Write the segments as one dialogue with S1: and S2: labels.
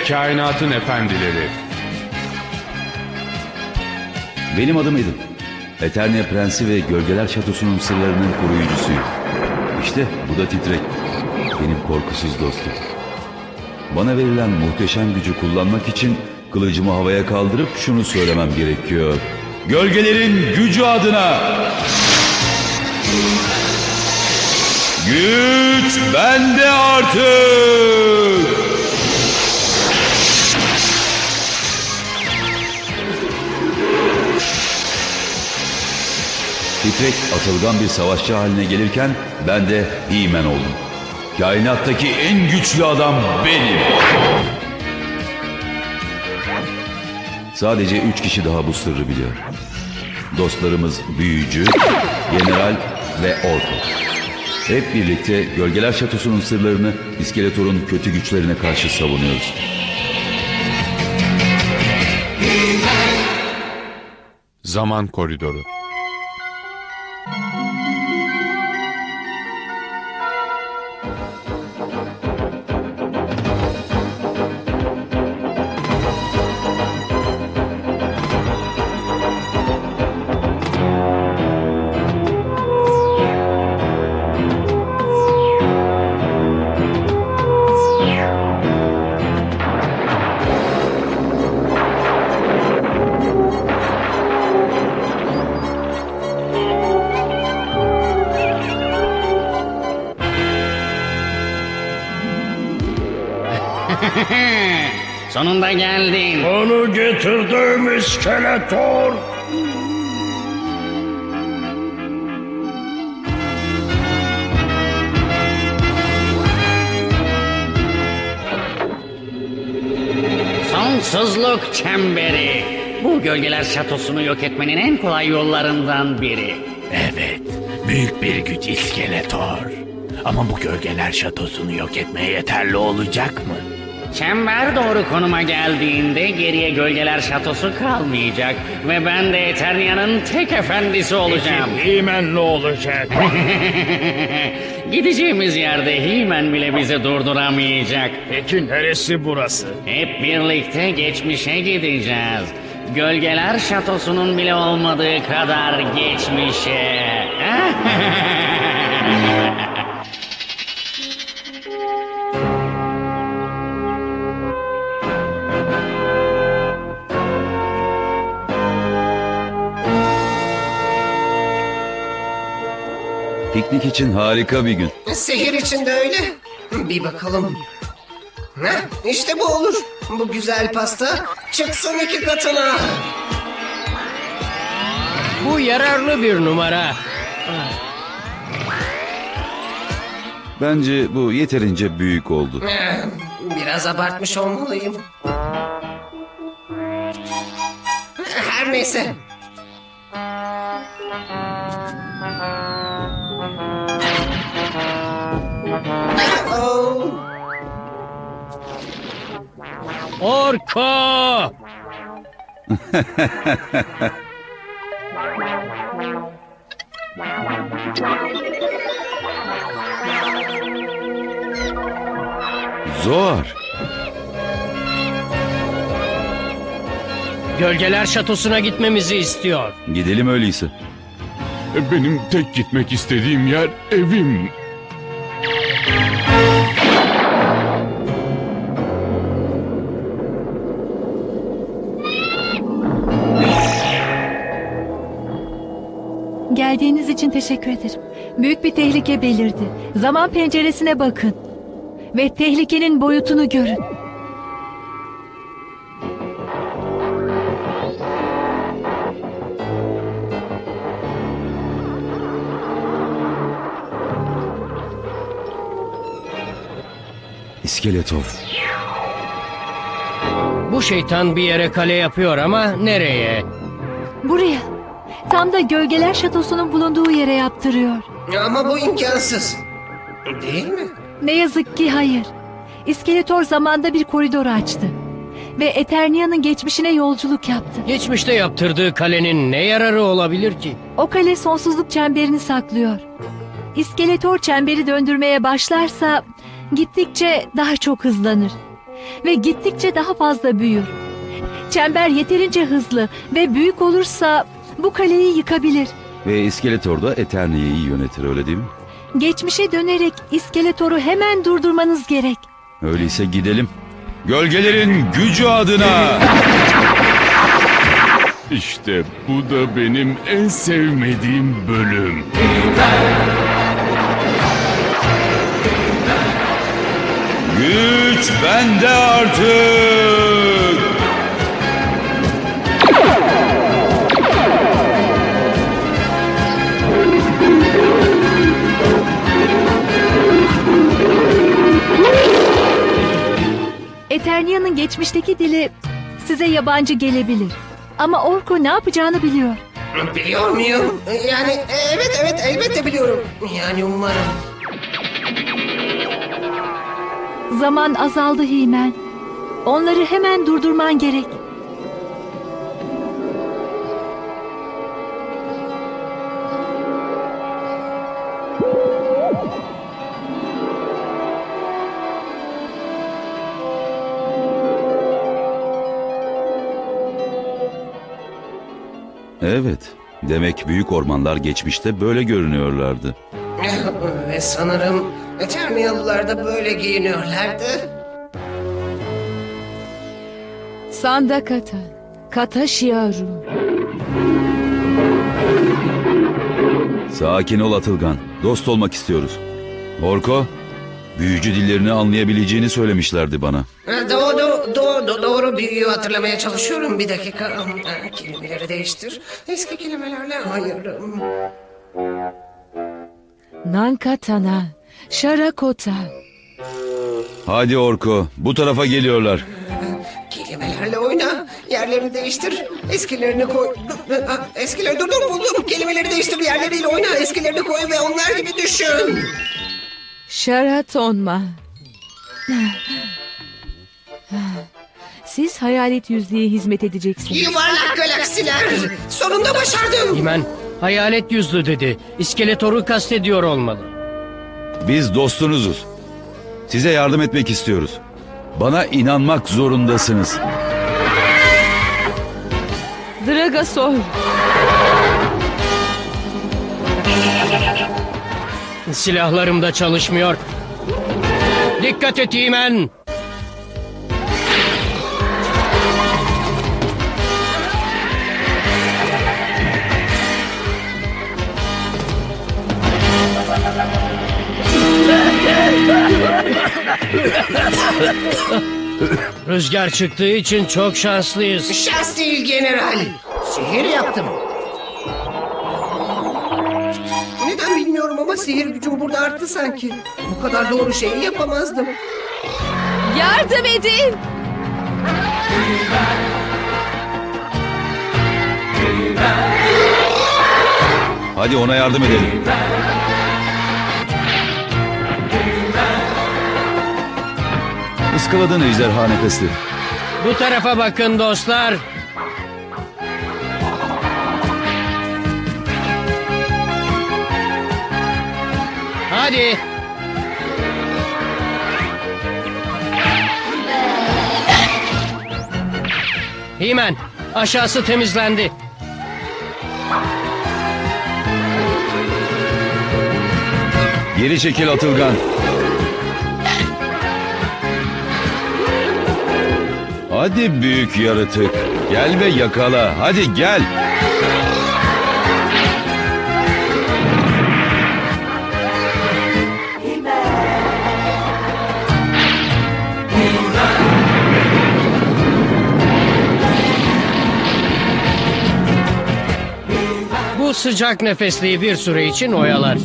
S1: kainatın efendileri.
S2: Benim adım Edip. Eternia Prensi ve Gölgeler Şatosu'nun sırlarının koruyucusuyum. İşte bu da Titrek. Benim korkusuz dostum. Bana verilen muhteşem gücü kullanmak için kılıcımı havaya kaldırıp şunu söylemem gerekiyor. Gölgelerin gücü adına! Güç bende artık! Titrek atılgan bir savaşçı haline gelirken ben de He-Man oldum. Kainattaki en güçlü adam benim. Sadece 3 kişi daha bu sırrı biliyor. Dostlarımız Büyücü, General ve Orko. Hep birlikte Gölgeler Şatosu'nun sırlarını İskeletor'un kötü güçlerine karşı savunuyoruz.
S1: Zaman Koridoru.
S3: Sonunda geldin.
S4: Onu getirdim İskeletor.
S3: Sonsuzluk çemberi. Bu Gölgeler Şatosu'nu yok etmenin en kolay yollarından biri.
S4: Evet, büyük bir güç İskeletor. Ama bu Gölgeler Şatosu'nu yok etmeye yeterli olacak mı?
S3: Çember doğru konuma geldiğinde geriye Gölgeler Şatosu kalmayacak. Ve ben de Eternia'nın tek efendisi olacağım.
S4: He-Man ne olacak?
S3: Gideceğimiz yerde He-Man bile bizi durduramayacak.
S4: Peki neresi burası?
S3: Hep birlikte geçmişe gideceğiz. Gölgeler Şatosu'nun bile olmadığı kadar geçmişe.
S2: Piknik için harika bir gün.
S5: Sihir için de öyle. Bir bakalım. İşte bu olur. Bu güzel pasta çıksın 2 katına.
S6: Bu yararlı bir numara.
S2: Bence bu yeterince büyük oldu.
S5: Biraz abartmış olmalıyım. Her neyse. Oh.
S6: Orko!
S2: Zor.
S6: Gölgeler Şatosu'na gitmemizi istiyor.
S2: Gidelim öyleyse.
S1: Benim tek gitmek istediğim yer evim.
S7: Geldiğiniz için teşekkür ederim. Büyük bir tehlike belirdi. Zaman penceresine bakın. Ve tehlikenin boyutunu görün.
S2: İskeletor.
S6: Bu şeytan bir yere kale yapıyor ama nereye?
S7: Buraya. Tam da Gölgeler Şatosu'nun bulunduğu yere yaptırıyor.
S5: Ama bu imkansız. Değil mi?
S7: Ne yazık ki hayır. İskeletor zamanda bir koridor açtı. Ve Eternia'nın geçmişine yolculuk yaptı.
S6: Geçmişte yaptırdığı kalenin ne yararı olabilir ki?
S7: O kale sonsuzluk çemberini saklıyor. İskeletor çemberi döndürmeye başlarsa gittikçe daha çok hızlanır. ve gittikçe daha fazla büyür. Çember yeterince hızlı ve büyük olursa bu kaleyi yıkabilir.
S2: Ve İskeletor da Eternia'yı yönetir, öyle değil mi?
S7: Geçmişe dönerek İskeletor'u hemen durdurmanız gerek.
S2: Öyleyse gidelim. Gölgelerin gücü adına.
S1: İşte bu da benim en sevmediğim bölüm.
S2: Güç bende artık.
S7: Eternia'nın geçmişteki dili size yabancı gelebilir. Ama Orko ne yapacağını biliyor.
S5: Biliyor muyum? Yani evet elbette biliyorum. Yani umarım.
S7: Zaman azaldı Himen. Onları hemen durdurman gerek.
S2: Evet, demek büyük ormanlar geçmişte böyle görünüyorlardı.
S5: Ve sanırım Eterniyalılar da böyle giyiniyorlardı.
S7: Sandakata, Kata Shiaru.
S2: Sakin ol Atılgan, dost olmak istiyoruz. Orko, büyücü dillerini anlayabileceğini söylemişlerdi bana.
S5: Doğru büyüyü hatırlamaya çalışıyorum. Bir dakika. Kelimeleri değiştir. Eski kelimelerle hayırım.
S7: Nankatana, Sharakota.
S2: Hadi Orko, bu tarafa geliyorlar.
S5: Kelimelerle oyna. Yerlerini değiştir. Eskilerini koy. Eskileri dur buldum. Kelimeleri değiştir. Yerleriyle oyna. Eskilerini koy ve onlar gibi düşün.
S8: Sharatonma. Siz hayalet yüzlüğe hizmet edeceksiniz.
S5: Yuvarlak galaksiler. Sonunda başardım.
S6: Himen hayalet yüzlü dedi. İskeletor'u kastediyor olmalı.
S2: Biz dostunuzuz. Size yardım etmek istiyoruz. Bana inanmak zorundasınız.
S8: Dragasol.
S6: Silahlarım da çalışmıyor. Dikkat et Himen. Rüzgar çıktığı için çok şanslıyız.
S5: Şans değil general. Sihir yaptım. Neden bilmiyorum ama sihir gücüm burada arttı sanki. Bu kadar doğru şeyi yapamazdım.
S8: Yardım edin.
S2: Hadi ona yardım edelim. Iskaladın ejderha nefesleri.
S6: Bu tarafa bakın dostlar. Hadi. Himen, aşağısı temizlendi.
S2: Geri çekil Atılgan. Hadi büyük yaratık. Gel ve yakala. Hadi gel.
S6: Bu sıcak nefesliği bir süre için oyalar.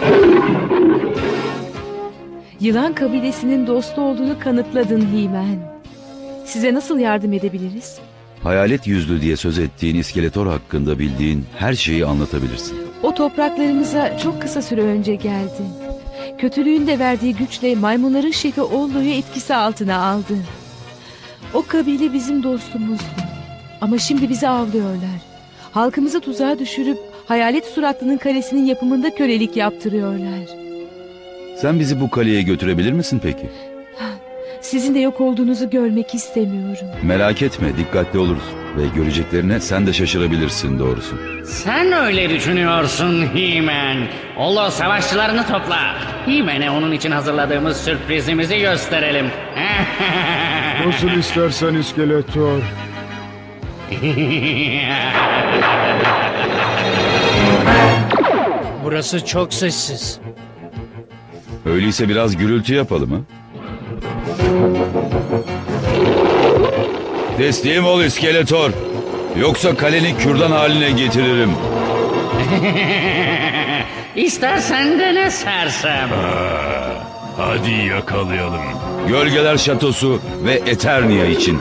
S8: Yılan kabilesinin dostu olduğunu kanıtladın Himen. Size nasıl yardım edebiliriz?
S2: Hayalet yüzlü diye söz ettiğin İskeletor hakkında bildiğin her şeyi anlatabilirsin.
S8: O topraklarımıza çok kısa süre önce geldi. Kötülüğün de verdiği güçle maymunların şefi Ollo'yu etkisi altına aldı. O kabile bizim dostumuzdu. Ama şimdi bizi avlıyorlar. Halkımızı tuzağa düşürüp hayalet suratlının kalesinin yapımında kölelik yaptırıyorlar.
S2: Sen bizi bu kaleye götürebilir misin peki?
S8: Sizin de yok olduğunuzu görmek istemiyorum.
S2: Merak etme, dikkatli oluruz. Ve göreceklerine sen de şaşırabilirsin doğrusu.
S3: Sen öyle düşünüyorsun He-Man. Olo savaşçılarını topla. He-Man'e onun için hazırladığımız sürprizimizi gösterelim.
S1: Nasıl istersen İskeletor.
S6: Burası çok sessiz.
S2: Öyleyse biraz gürültü yapalım ha? Teslim ol İskeletor. Yoksa kaleni kürdan haline getiririm.
S3: İstersen de ne sersem.
S1: Hadi yakalayalım.
S2: Gölgeler Şatosu ve Eternia için.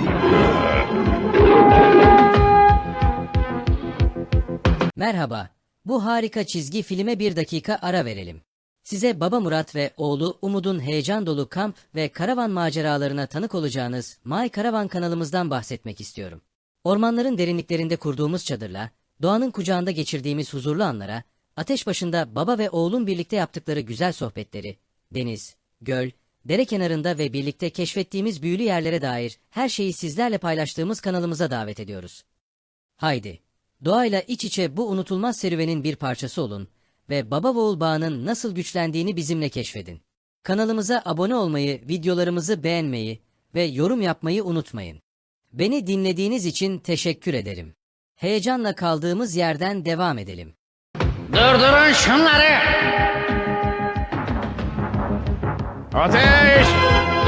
S9: Merhaba. Bu harika çizgi filme bir dakika ara verelim. Size Baba Murat ve oğlu Umud'un heyecan dolu kamp ve karavan maceralarına tanık olacağınız My Caravan kanalımızdan bahsetmek istiyorum. Ormanların derinliklerinde kurduğumuz çadırla, doğanın kucağında geçirdiğimiz huzurlu anlara, ateş başında baba ve oğlun birlikte yaptıkları güzel sohbetleri, deniz, göl, dere kenarında ve birlikte keşfettiğimiz büyülü yerlere dair her şeyi sizlerle paylaştığımız kanalımıza davet ediyoruz. Haydi, doğayla iç içe bu unutulmaz serüvenin bir parçası olun ve baba ve oğul bağının nasıl güçlendiğini bizimle keşfedin. Kanalımıza abone olmayı, videolarımızı beğenmeyi ve yorum yapmayı unutmayın. Beni dinlediğiniz için teşekkür ederim. Heyecanla kaldığımız yerden devam edelim.
S3: Durdurun şunları. Ateş!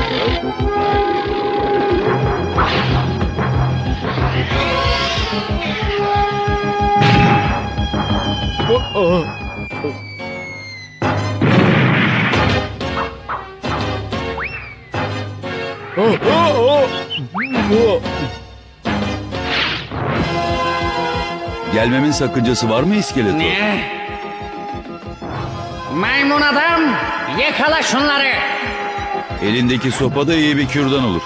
S2: Gelmemin sakıncası var mı İskeletor?
S3: Ne? Maymun adam, yakala şunları.
S2: Elindeki sopa da iyi bir kürdan olur.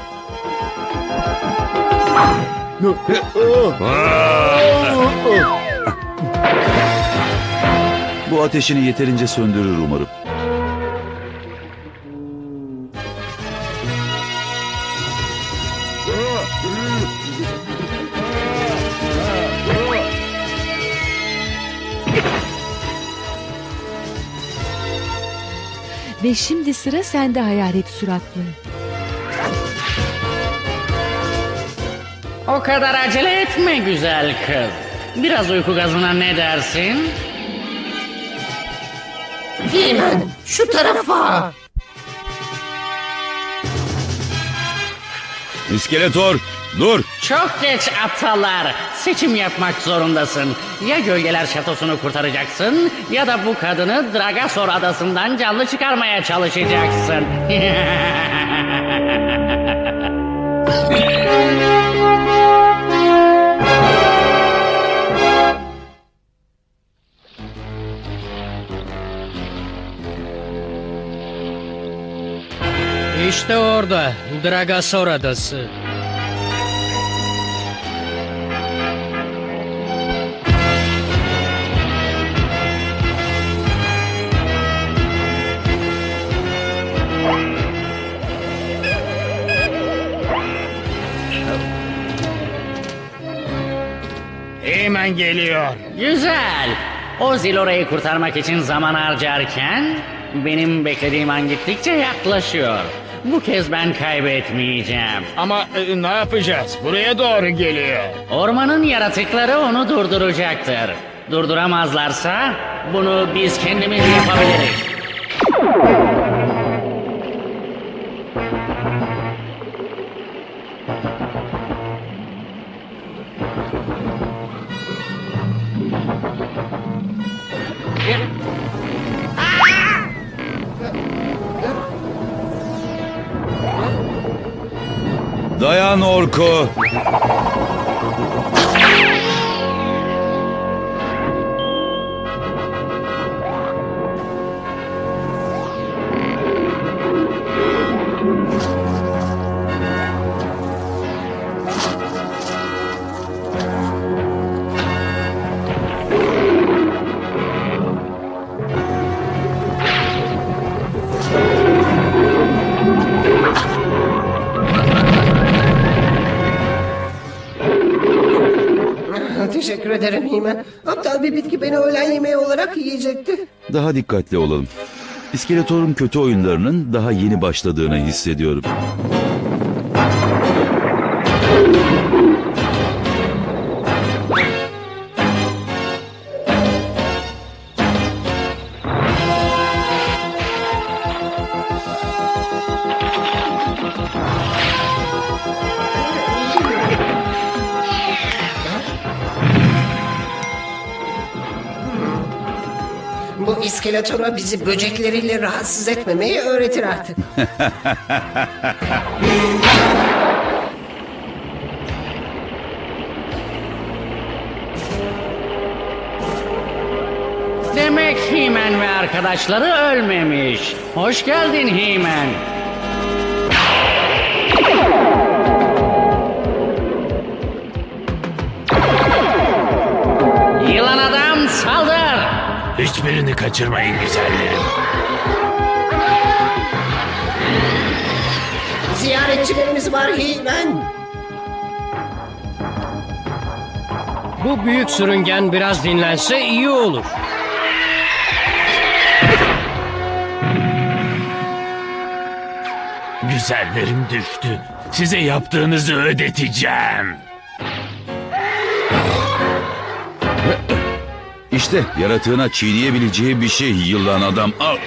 S2: Bu ateşini yeterince söndürür umarım.
S8: Ve şimdi sıra sende hayalet suratlı.
S3: O kadar acele etme güzel kız. Biraz uyku gazına ne dersin?
S5: He-Man şu tarafa.
S2: İskeletor, dur!
S3: Çok geç aptallar. Seçim yapmak zorundasın. Ya Gölgeler Şatosu'nu kurtaracaksın ya da bu kadını Dragasor adasından canlı çıkarmaya çalışacaksın.
S6: İşte orada, Dragasor Adası.
S4: Hemen geliyor.
S3: Güzel. O Zilora'yı kurtarmak için zaman harcarken benim beklediğim an gittikçe yaklaşıyor. Bu kez ben kaybetmeyeceğim.
S4: Ama ne yapacağız? Buraya doğru geliyor.
S3: Ormanın yaratıkları onu durduracaktır. Durduramazlarsa bunu biz kendimiz yapabiliriz.
S2: Dayan Orko!
S5: Teşekkür ederim Himen. Aptal bir bitki beni öğlen yemeği olarak yiyecekti.
S2: Daha dikkatli olalım. İskeletor'un kötü oyunlarının daha yeni başladığını hissediyorum.
S5: Bu iskeletora bizi böcekleriyle rahatsız etmemeyi öğretir artık.
S3: Demek He-Man ve arkadaşları ölmemiş. Hoş geldin He-Man. Yılan adam saldır.
S4: Hiçbirini kaçırmayın güzellerim.
S5: Ziyaretçilerimiz var Himen.
S6: Bu büyük sürüngen biraz dinlense iyi olur.
S4: Güzellerim düştü. Size yaptığınızı ödeteceğim.
S2: İşte yaratığına çiğneyebileceği bir şey yılan adam. Al.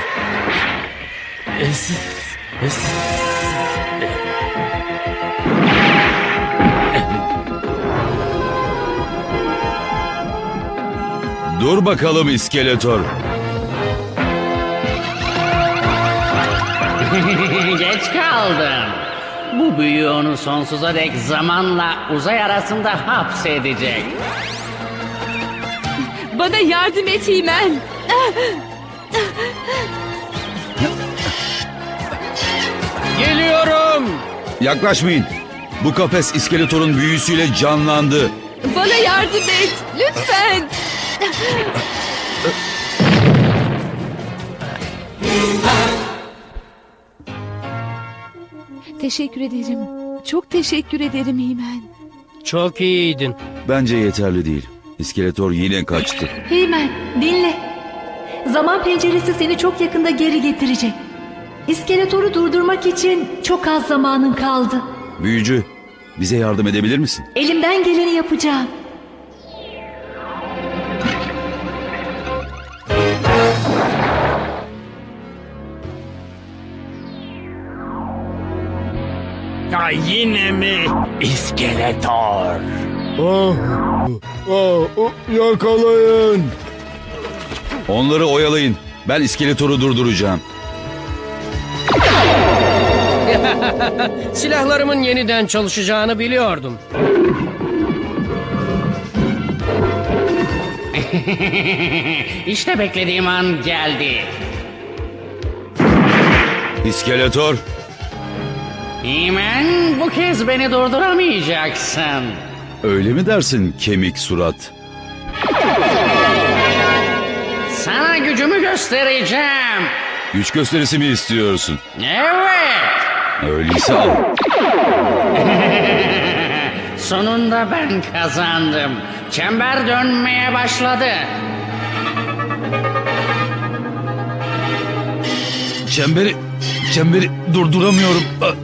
S2: Dur bakalım iskeletor.
S3: Geç kaldın. Bu büyü onu sonsuza dek zamanla uzay arasında hapsedecek.
S8: Bana yardım et Himen.
S6: Geliyorum.
S2: Yaklaşmayın. Bu kafes iskeletorun büyüsüyle canlandı.
S8: Bana yardım et. Lütfen. Teşekkür ederim. Çok teşekkür ederim Himen.
S6: Çok iyiydin.
S2: Bence yeterli değil. İskeletor yine kaçtı.
S7: Heymen, dinle. Zaman penceresi seni çok yakında geri getirecek. İskeletoru durdurmak için çok az zamanın kaldı.
S2: Büyücü, bize yardım edebilir misin?
S7: Elimden geleni yapacağım.
S4: Ya yine mi? İskeletor.
S2: Yakalayın. Onları oyalayın. Ben iskeletoru durduracağım.
S6: Silahlarımın yeniden çalışacağını biliyordum.
S3: İşte beklediğim an geldi.
S2: İskeletor,
S3: He-Man, bu kez beni durduramayacaksın.
S2: öyle mi dersin kemik surat?
S3: Sana gücümü göstereceğim.
S2: Güç gösterisi mi istiyorsun?
S3: Evet.
S2: Öyleyse al.
S3: Sonunda ben kazandım. Çember dönmeye başladı.
S2: Çemberi durduramıyorum.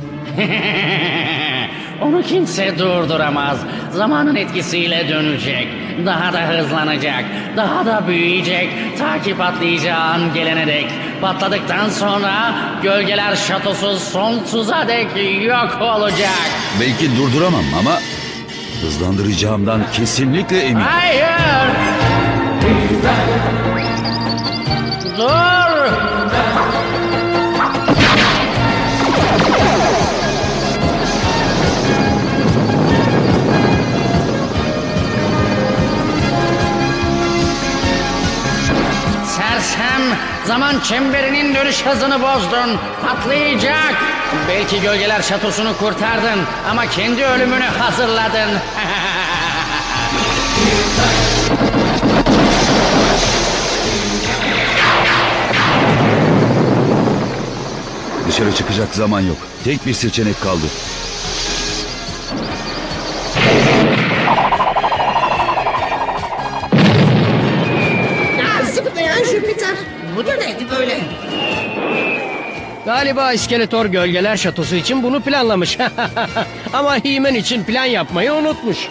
S3: Onu kimse durduramaz. Zamanın etkisiyle dönecek. Daha da hızlanacak. Daha da büyüyecek. Ta ki patlayacağı an gelene dek. Patladıktan sonra gölgeler şatosu sonsuza dek yok olacak.
S2: Belki durduramam ama hızlandıracağımdan kesinlikle eminim.
S3: Hayır! Dur! Sersem, zaman çemberinin dönüş hızını bozdun. Patlayacak. Belki gölgeler şatosunu kurtardın ama kendi ölümünü hazırladın.
S2: Dışarı çıkacak zaman yok. Tek bir seçenek kaldı.
S6: Galiba İskeletor Gölgeler Şatosu için bunu planlamış. Ama He-Man için plan yapmayı unutmuş.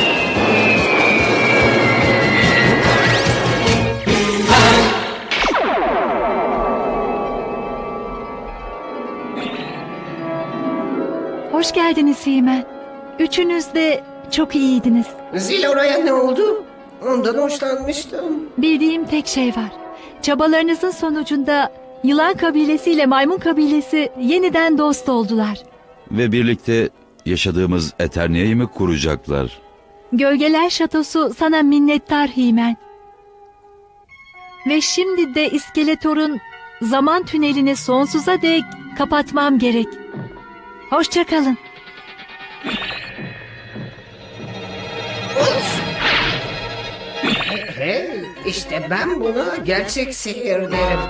S7: Hoş geldiniz He-Man. Üçünüz de çok iyiydiniz.
S5: Zillora'ya ne oldu? Ondan hoşlanmıştım.
S7: Bildiğim tek şey var. Çabalarınızın sonucunda Yılan kabilesi ile Maymun kabilesi yeniden dost oldular.
S2: Ve birlikte yaşadığımız Eternia'yı mı kuracaklar?
S7: Gölgeler Şatosu sana minnettar He-Man. Ve şimdi de İskeletor'un zaman tünelini sonsuza dek kapatmam gerek. Hoşça kalın.
S5: Hey, işte ben buna gerçek sihir derim.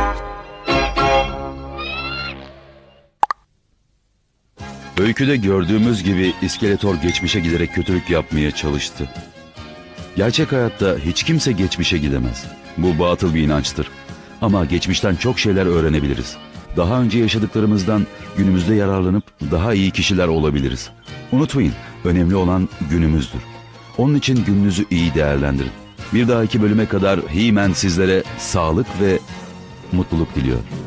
S2: Öyküde gördüğümüz gibi İskeletor geçmişe giderek kötülük yapmaya çalıştı. Gerçek hayatta hiç kimse geçmişe gidemez. Bu batıl bir inançtır. Ama geçmişten çok şeyler öğrenebiliriz. Daha önce yaşadıklarımızdan günümüzde yararlanıp daha iyi kişiler olabiliriz. Unutmayın, önemli olan günümüzdür. Onun için gününüzü iyi değerlendirin. Bir dahaki bölüme kadar He-Man sizlere sağlık ve mutluluk diliyor.